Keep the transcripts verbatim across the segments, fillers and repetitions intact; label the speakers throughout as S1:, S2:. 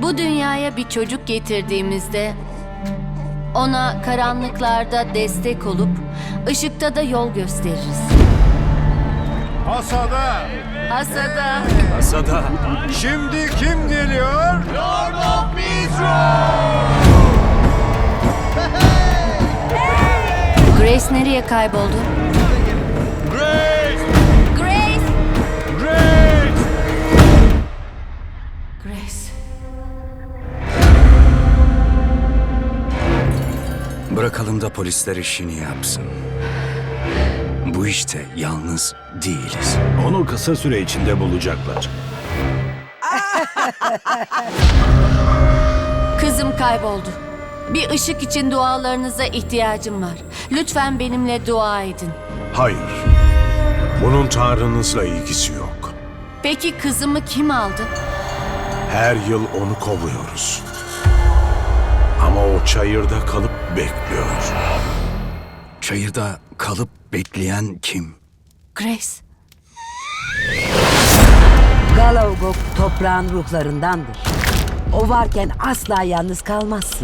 S1: Bu dünyaya bir çocuk getirdiğimizde ona karanlıklarda destek olup ışıkta da yol gösteririz.
S2: Hasada.
S1: Hasada.
S3: Hasada.
S2: Şimdi kim geliyor?
S4: Lord of Israel!
S1: Grace nereye kayboldu?
S2: Grace!
S1: Grace!
S2: Grace!
S1: Grace.
S3: Bırakalım da polisler işini yapsın. Bu işte yalnız değiliz.
S5: Onu kısa süre içinde bulacaklar.
S1: Kızım kayboldu. Bir ışık için dualarınıza ihtiyacım var. Lütfen benimle dua edin.
S5: Hayır. Bunun Tanrınızla ilgisi yok.
S1: Peki kızımı kim aldı?
S5: Her yıl onu kovuyoruz. Ama o çayırda kalıp bekliyor.
S3: Çayırda kalıp bekleyen kim?
S1: Grace.
S6: Galaugok toprağın ruhlarındandır. O varken asla yalnız kalmazsın.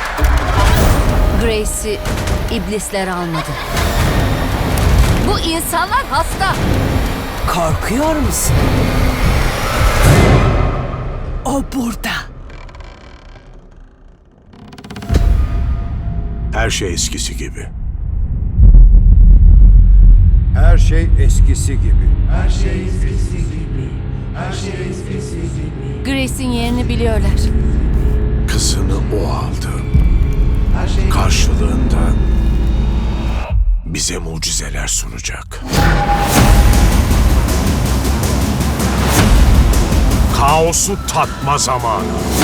S1: Grace'i iblisler almadı. Bu insanlar hasta.
S6: Korkuyor musun? O burada.
S5: Her şey eskisi gibi.
S2: Her şey eskisi gibi.
S1: Grace'in yerini biliyorlar.
S5: Kızını o aldı. Karşılığında bize mucizeler sunacak. Kaosu tatma zamanı.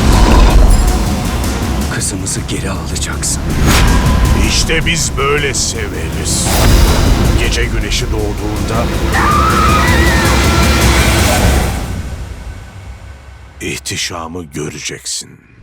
S3: Kızımızı geri alacaksın.
S5: İşte biz böyle severiz. Gece güneşi doğduğunda ihtişamı göreceksin.